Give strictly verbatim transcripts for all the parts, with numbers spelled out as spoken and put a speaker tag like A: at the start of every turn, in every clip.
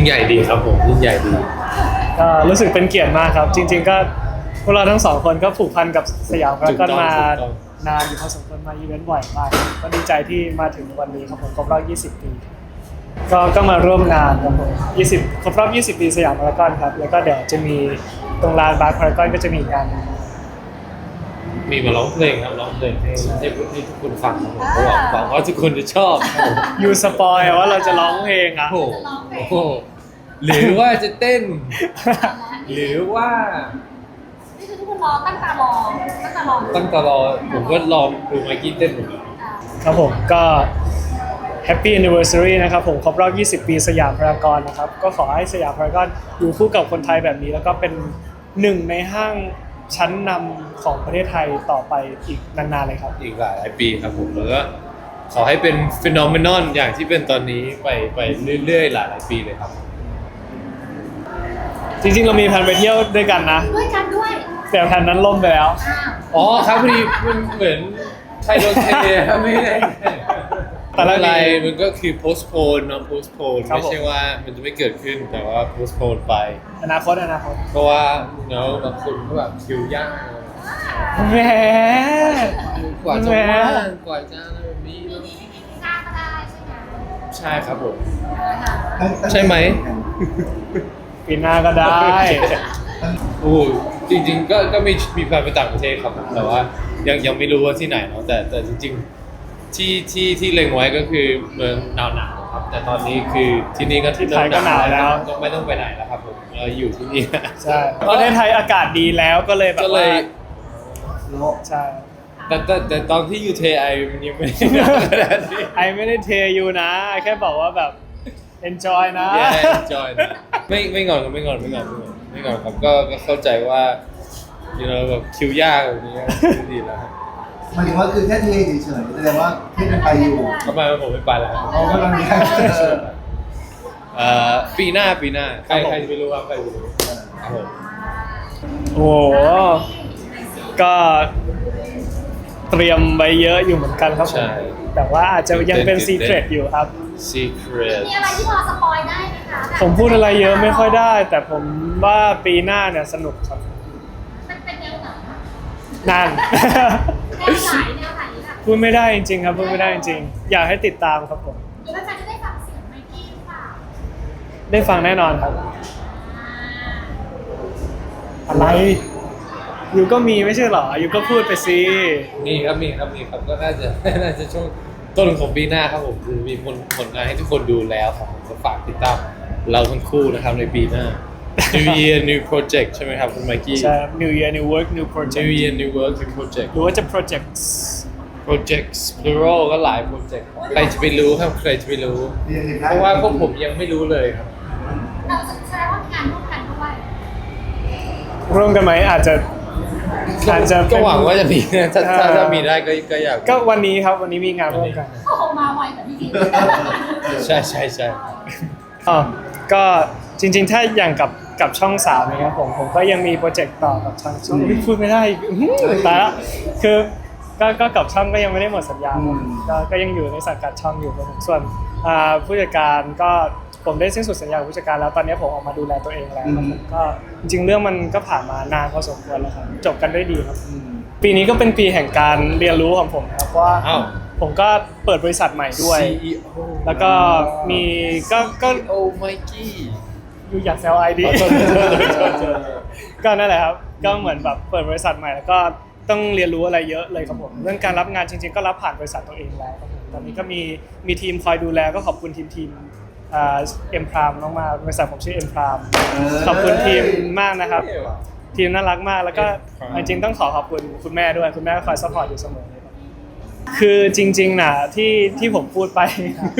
A: ใหญ่ดีครับผมยิ่งใหญ่ดี
B: ก็รู้สึกเป็นเกียรติมากครับ จริงๆก็พวกเราทั้งสองคนก็ผูกพันกับสยามพารากอนมานานอยู่พอสมควรมาอีเวนต์บ่อยมากก็ดีใจที่มาถึงวันนี้ครับผมครบรอบยี่สิบปีก็ก็มาร่วมงานครับผมยี่สิบครบรอบยี่สิบปีสยามพารากอนครับแล้วก็เดี๋ยวจะมีตรงลานบาร์พารากอนก็จะมีงาน
A: มีมาร้องเพลงครับร้องเพลงให้ให้ให้ทุกคนฟังครับผมก็หวังหวังว่าทุกคนจะชอบครับผม
B: ยูสปอยว่าเราจะร้องเพลงอ่ะ
A: โอ้โหหรือว่าจะเต้น หรือว่า
C: นี่คือทุกคนรอตั้งตารอตั้งตารอ
A: ตั้งแต่รอผมก็รอดูไมค์กี้เต้นเหมือนกัน
B: ครับผมก็ Happy Anniversary นะครับผมครบรอบยี่สิบปีสยามพารากอนนะครับก็ขอให้สยามพารากอนอยู่คู่กับคนไทยแบบนี้แล้วก็เป็นหนึ่งในห้างชั้นนำของประเทศไทยต่อไปอีกนานๆเลยครับ
A: อีกหลายปีครับผมแล้วก็ขอให้เป็นฟีนอเมนอนอย่างที่เป็นตอนนี้ไปไปเรื่อยๆหลายๆปีเลยครับ
B: จริงๆเรามีแผนไปเที่ยวด้วยกันนะ
C: ด้วยกันด้วย
B: แต่แผนนั้นล่มไปแล้ว
C: อ้าว
A: อ๋อครับพอดีมันเหมือนไทยโดนเทไม่ได้
B: แต่ละ
A: อะไรมันก็คือ postpone เนาะ postpone
B: ครับ
A: ไม่
B: ผม
A: ใช่ว่ามันจะไม่เกิดขึ้นแต่ว่า postpone ไป
B: อนาคตอนาคต
A: เพราะว่าเนาะบางคนก็แบบคิวยาก
B: แหม
A: กว่าจะ
B: แหม
A: ว่างกว่าจะอะไรแบบนี้
C: ปี
A: เนอะ
C: นี้ไม่มีวีซ่าก็ได้ใช่ไหม
A: ใช่ครับผม
C: อ่า
A: ใช่ไหม
B: ปีหน้าก็ได้
A: โอ้จริงๆก็ก็มีมีแผนไปต่างประเทศครับแต่ว่ายังยังไม่รู้ว่าที่ไหนเนาะแต่แต่จริงๆที่ที่ที่เล็งไว้ก็คือเมืองหนาวๆครับแต่ตอนนี้คือที่นี่ก็
B: ที่ไทยก็หนาวแล้ว
A: ก็ไม่ต้องไปไหนแล้วครับผมเราอยู่ที่นี่
B: ใช่ประเทศไทยอากาศดีแล้วก็เลยแบบ
A: ก็เล
B: ว่าย ใช่
A: แต่แต่แต่ตอนที่อยู่เทไอมันยังไม่ได้หนาวขนาดนี้
B: ไอไม่ได้เทอยู่นะไอแค่บอกว่าแบบ enjoy นะ
A: แย่จอยนะไม่ไม่งอนครับไม่งอนไม่งอนไม่งอนไม่งอนครับก็ก็เข้าใจว่า you know แบบคิวยากแบบนี้ก็ดีแล้วครับ
D: หมายถึงว่าคือแค่เทเฉยๆแสดงว่าที่มันไปอยู่
A: ทำไมผมไม่ไปแล้ว
D: เขากำลังมีการเออ
A: เอ่อปีหน้าปีหน้าใครใครจะไม่รู้ครับใครจะไม่รู้ครับผม
B: โอ้โหก็เตรียมไว้เยอะอยู่เหมือนกันครับผมแต่ว่าอาจจะยังเป็น secret อยู่ครับ
A: secret
C: มีอะไรที่พอสปอยได้ไหมคะ
B: ผมพูดอะไรเยอะไม่ค่อยได้ แต่ผมว่าปีหน้าเนี่ยสนุกครับ
C: มันเป็นแนวไหน
B: นั่น
C: แนวไหนแนวไหนล่ะ
B: พูดไม่ได้จริงๆครับพูดไม่ได้จริงๆอยากให้ติดตามครับผม
C: หรือว่าจะได้ฟังเสียงไมค์กี้หรือเปล่า
B: ได้ฟังแน่นอนครับ
C: อ่า
B: อะไรอยู่ก็มีไม่ใช่เหรออยู่ก็พูดไปสิ
A: มีครับมีครับมีครับก็น่าจะ น่าจะช่วงต้นของปีหน้าครับผมคือมีผลผลงานให้ทุกคนดูแล้วครับผมก็ฝากติดตามเราทั้งคู่นะครับในปีหน้า New Year New Project ใช่ไหมครับคุณไมค์กี้
B: ใช่ New Year New Work New Project
A: New Year New Work New Project
B: หรือว่าจะ projects
A: Projects plural ก็หลาย project ใครจะไปรู้ครับใครจะไปรู้
D: เรียนเห็น
A: เพ
D: ได้
A: ราะว่าพวกผมยังไม่รู้เลยครับ
C: เราแสดงว่ามีงานร่วมกันด้วย
B: ร่วมกันไหมอาจจะอาจจะ
A: ก็หวังว่าจะมีนะถ้าถ้า
B: เอ่อ
A: ถ้ามีได้ก็ก็อยาก
B: ก็วันนี้ครับวันนี้มีงานร่วมกัน
C: โอ้โหมาไวกว่าที่คิด
A: ใช่ใช่ใช่
B: อ๋อก็จริงๆ ถ้าอย่างกับกับช่องสามนะครับผมผมก็ยังมีโปรเจกต์ต่อกับช่องช่องพูดไม่ได้อีกอื้อหือตายละคือก็ก็กับช่องก็ยังไม่ได้หมดสัญญาครับก็ก็ยังอยู่ในสังกัดช่องอยู่ครับผมส่วนอ่าผู้จัดการก็ผมได้สิ้นสุดสัญญากับผู้จัดการแล้วตอนนี้ผมออกมาดูแลตัวเองแล้วครับผมก็จริงๆเรื่องมันก็ผ่านมานานพอสมควรแล้วครับจบกันด้วยดีครับ
D: อืม
B: ปีนี้ก็เป็นปีแห่งการเรียนรู้ของผมนะครับเพราะว่า
A: อ้าว
B: ผมก็เปิดบริษัทใหม่ด้วย
A: ซี อี โอ
B: แล้วก็มีก็ก็
A: โอ้ไมกี้
B: อยู่อยากแซวไอดี
A: ขอโทษขอโทษขอโทษขอโทษ
B: ก็นั่นแหละครับก็เหมือนแบบเปิดบริษัทใหม่แล้วก็ต้องเรียนรู้อะไรเยอะเลยครับผมเรื่องการรับงานจริงๆก็รับผ่านบริษัทตัวเองแล้วครับผมตอนนี้ก็มีมีทีมคอยดูแลก็ขอบคุณทีมทีมเอ็มพรามมากๆบริษัทผมชื่อเอ็มพรามขอบคุณทีมมากนะครับ ทีมน่ารักมากแล้วก็
A: M-Prime
B: จริงๆต้องขอขอบคุณคุณแม่ด้วยคุณแม่ก็คอยซัพพอร์ตอยู่เสมอเลยครับคือจริงๆน่ะที่ที่ผมพูดไป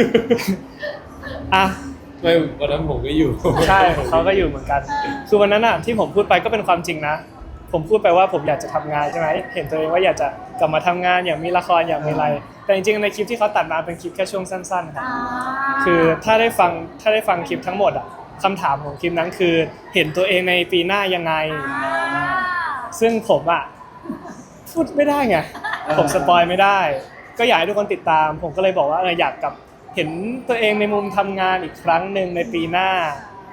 B: อ่ะ
A: ไม่วันนั้นผมก็อยู่
B: ใช่เขาก็อยู่เหมือนกัน คือวันนั้นอ่ะที่ผมพูดไปก็เป็นความจริงนะ ผมพูดไปว่าผมอยากจะทำงานใช่ไหมเห็นตัวเองว่าอยากจะกลับมาทำงานอยากมีละครอยากมีอะไร แต่จริงๆในคลิปที่เขาตัดมาเป็นคลิปแค่ช่วงสั้นๆครับ
C: อ่า
B: คือถ้าได้ฟังถ้าได้ฟังคลิปทั้งหมดอ่ะคำถามของคลิปนั้นคือเห็นตัวเองในปีหน้ายังไง
C: อ่า
B: ซึ่งผมอ่ะพูดไม่ได้ไงผมสปอยไม่ได้ ก็อยากให้ทุกคนติดตาม ผมก็เลยบอกว่าเอออยากกลับเห็นตัวเองในมุมทำงานอีกครั้งหนึ่งในปีหน้า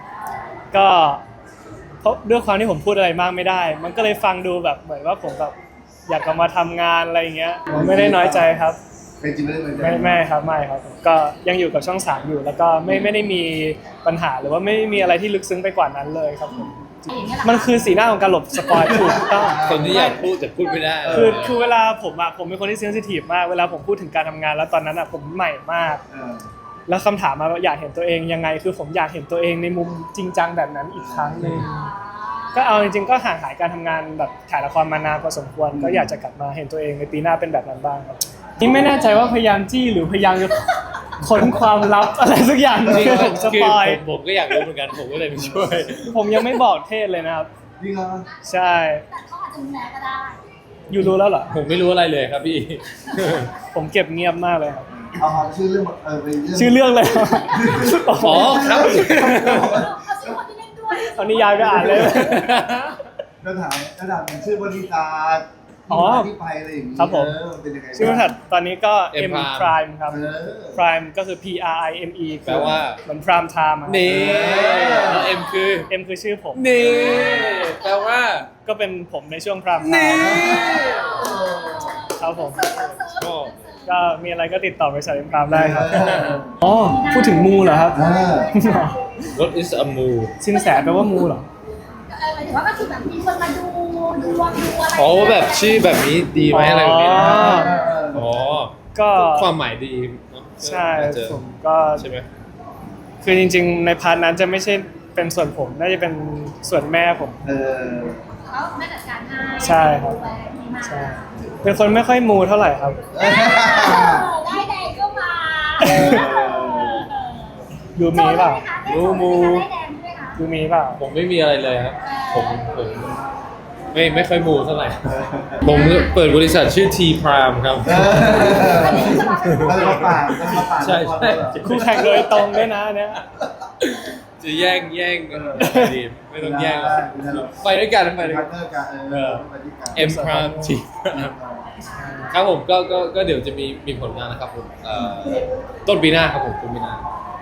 B: ก็เพราะด้วยความที่ผมพูดอะไรมากไม่ได้ มันก็เลยฟังดูแบบเหมือนว่าผมแบบอยากกลับมาทำงานอะไรอย่างเงี้ยผมไม่ได้น้อยใจครับ
D: เป็นจริงไม่ได้เหมือนกั
B: ไม่ไม่ครับไม่ครับผมก็ยังอยู่กับช่องสามอยู่ แล้วก็ไม่ไม่ได้มีปัญหาหรือว่าไม่มีอะไรที่ลึกซึ้งไปกว่านั้นเลยครับผม
C: อย่างเงี้ยเหรอ
B: มันคือสีหน้าของการหลบสปอยถูกต้อง
A: คนที่อยากพูดแต่พูดไม่ได้
B: คือคือเวลาผมอะผมเป็นคนที่เซนซิทีฟมากเวลาผมพูดถึงการทำงานแล้วตอนนั้นอะผมใหม่มาก
D: เออ
B: แล้วคำถามมาว่าอยากเห็นตัวเองยังไง คือผมอยากเห็นตัวเองในมุมจริงจังแบบนั้นอีกครั้งหนึ่ง
C: อ่า
B: ก็เอาจริงๆก็ห่างหายการทำงานแบบถ่ายละครมานานพอสมควรก็อยากจะกลับมาเห็นตัวเองในปีหน้าเป็นแบบนั้นบ้างครับนี่ไม่แน่ใจว่าพยายามจี้หรือพยายามจะค้นความลับอะไรสักอย่าง
A: จริง
B: ที่
A: ๆ
B: ผมส
A: คือ
B: ปอย
A: ผมผมก็อยากรู้เหมือนกันผมก็เลยไปช่วย
B: ผมยังไม่บอกเทศเลยนะครับ
D: จริงเหรอ
B: ใช่
C: แต่เขาอาจจะรู้แล้วก็ได้
B: อยู่รู้แล้วเหรอ
A: ผมไม่รู้อะไรเลยครับพี่
B: ผมเก็บเงียบมากเลยครับ
D: เอาเอาชื่อเรื่องเออไปเรื่อง
B: ชื่อเรื่องเลยเหรอ
A: อ๋อครับ
C: เขาชื่อคนที่เล่นด้วย
B: เอานิยายไปอ่านเลย
D: ระดับระดับชื่อบริษัท
B: อ๋อ
D: ที่ไปอะไรอย่างงี้
B: ครับผม
D: เออเป็นยังไง
B: ชื่อบริษัทตอนนี้ก็
A: M
B: M
A: Prime
B: Prime ครับ
D: เออ
B: Prime ก็คือ P R I M E
A: แปลว่า
B: เหมือน Prime Time อะ
A: นี่แล้วเอ็มคือ
B: M คือชื่อผม
A: นี่แปลว่า
B: ก็เป็นผมในช่วง Prime
A: นี่
B: Time ครับผม
A: ชอบ
B: ก็มีอะไรก็ติดต่อบริษัท M Prime ได้ครับ อ๋อ พูดถึงมูเหรอครับ
D: เออ
A: What is a moon
B: สินแสแปลว่ามูเหรอ
C: เออหมายถึงว่าก็คือแบบมีคนมาดูดูดวงดูอะไร
A: อ๋อแบบชื่อแบบนี้ดีไหมอะไรแบบนี้นะ
B: อ๋อ
A: อ๋อ
B: ก็
A: ความหมายดีเนอะ
B: ใช่
A: น่าจะ
B: ผมก็
A: ใช่ไหม
B: คือจริงๆ ในพาร์ทนั้นจะไม่ใช่เป็นส่วนผม น่าจะเป็นส่วนแม่ผม
D: เออ
C: เขาไม่จัดการให้
B: ใช่ครับ
C: ดูแลดีมาก
B: ใช่ เป็นคนไม่ค่อยมูเท่าไหร่ครับ
C: เออได้แดงก็มา
D: เออ
B: ดูมีเปล่า
C: ดูมูได้แดงด้วยคะ
B: ดูมีเปล่า
A: ผมไม่มีอะไรเลยครับ ผมผมไม่ไม่ค่อยมูเท่าไหร่ ผมเปิดบริษัทชื่อ T Prime ครับ
D: เออแล้วมาป่าแล้วมาป่า
A: ใช่ใช่
B: คู่แข่งโดยตรงด้วยนะเนี่ย
A: จะแย่งแย่งกันดีไม่ต้องแย่งหรอกไปด้วยกันไปด้วย
D: พา
A: กั
D: ร์
A: น
D: ทเนอร์กันเออไปด้วยกัน
A: M Prime T Prime ครับผมก็ก็ก็เดี๋ยวจะมีมีผลงานนะครับผมเอ่อต้นปีหน้าครับผมต้นปีหน้าร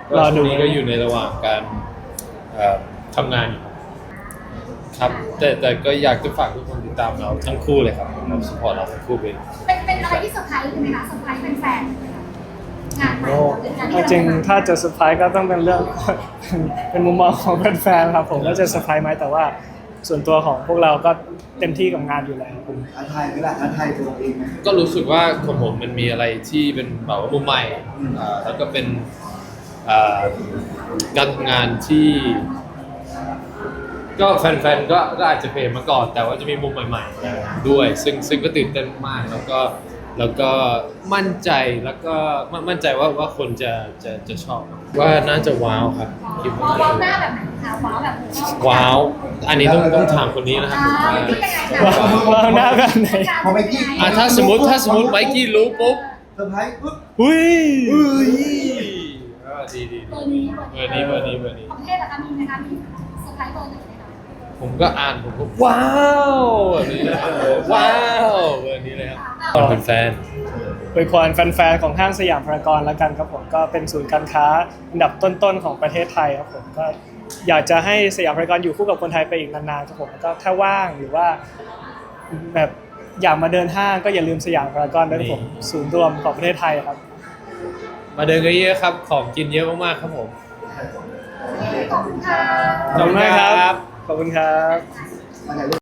B: อดู
A: ช่วงนี้ก็อยู่ในระหว่างการเอ่อทำงานอยู่ครับแต่แต่ก็อยากจะฝากทุกคนติดตามเราทั้งคู่เลยครับเราสปอร์ตเราทั้งคู่เลย
C: เป็นเป็นอะไรที่เซอร์ไพรส์ใช่ไหมคะเซอร์ไพรส์เป็นแฟนงานใหม่
B: โอ้
C: เป็นงานที่
B: จริงๆถ้าจะเซอร์ไพรส์ก็ต้องเป็นเรื่อง เป็นมุมมองของแฟนๆครับผมว่าจะเซอร์ไพรส์ไหมแต่ว่าส่วนตัวของพวกเราก็เต็มที่กับงานอยู่แล้วผม
D: ท้าทายไหมล่ะท้าทายตัวเองไหม
A: ก็รู้สึกว่าของผมมันมีอะไรที่เป็นแบบว่ามุมใหม่
D: อืม
A: อ่าแล้วก็เป็นอ่าการทำงานที่ ก็แฟนๆก็ก็อาจจะเพลมาก่อน แต่ว่าจะมีมุมใหม่ๆด้วย ซึ่งซึ่งก็ตื่นเต้นมากแล้วก็แล้วก็มั่นใจแล้วก็มั่นมั่นใจว่าว่าคนจะจะจะชอบ ว่าน่าจะว้าวครับคิดว่า
C: ว้าว
A: น่า
C: หน้า
A: จะ
C: แบบไหนคะว้าวแบบ
A: ว้าว อันนี้ต้องต้องถามคนนี้นะครับ
C: อ่า
A: ผมว่า
C: เป็นยังไงคะ
B: ว้าวว้าวหน้าแบบไหน
D: พอไมกี้
A: อ่ะถ้าสมมติถ้าสมมติไมกี้รู้ปุ๊บ
D: เซอร์ไพรส์ปุ๊บ
B: อุ้ย
A: เฮ้ยอ่าดีดี
C: เบ
A: ดี
C: อร์นี้
A: เบอร์นี้เบอร์นี้เบอร์นี้
C: ของประเทศนะคะมีไหมคะมีเซอร์ไพรส์เบอร์ไหนไหมคะ
A: ผมก็อ่านผมก็ว้าวแบบนี้เลยว้าวแบบนี้เลยครับตอนเป็นแฟน
B: อวยพรแฟนๆของห้างสยามพารากอนแล้วกันครับผมก็เป็นศูนย์การค้าอันดับต้นๆของประเทศไทยครับผมก็อยากจะให้สยามพารากอนอยู่คู่กับคนไทยไปอีกนานๆครับผมก็ถ้าว่างหรือว่าแบบอยากมาเดินห้างก็อย่าลืมสยามพารากอนด้วยครับผมศูนย์รวมของประเทศไทยครับ
A: มาเดินกันเยอะครับ ของกินเยอะมากๆครับผม
C: ขอบคุณค่ะ
B: ขอบคุณมากครับ ขอบคุณครับ
D: มาไหนลูก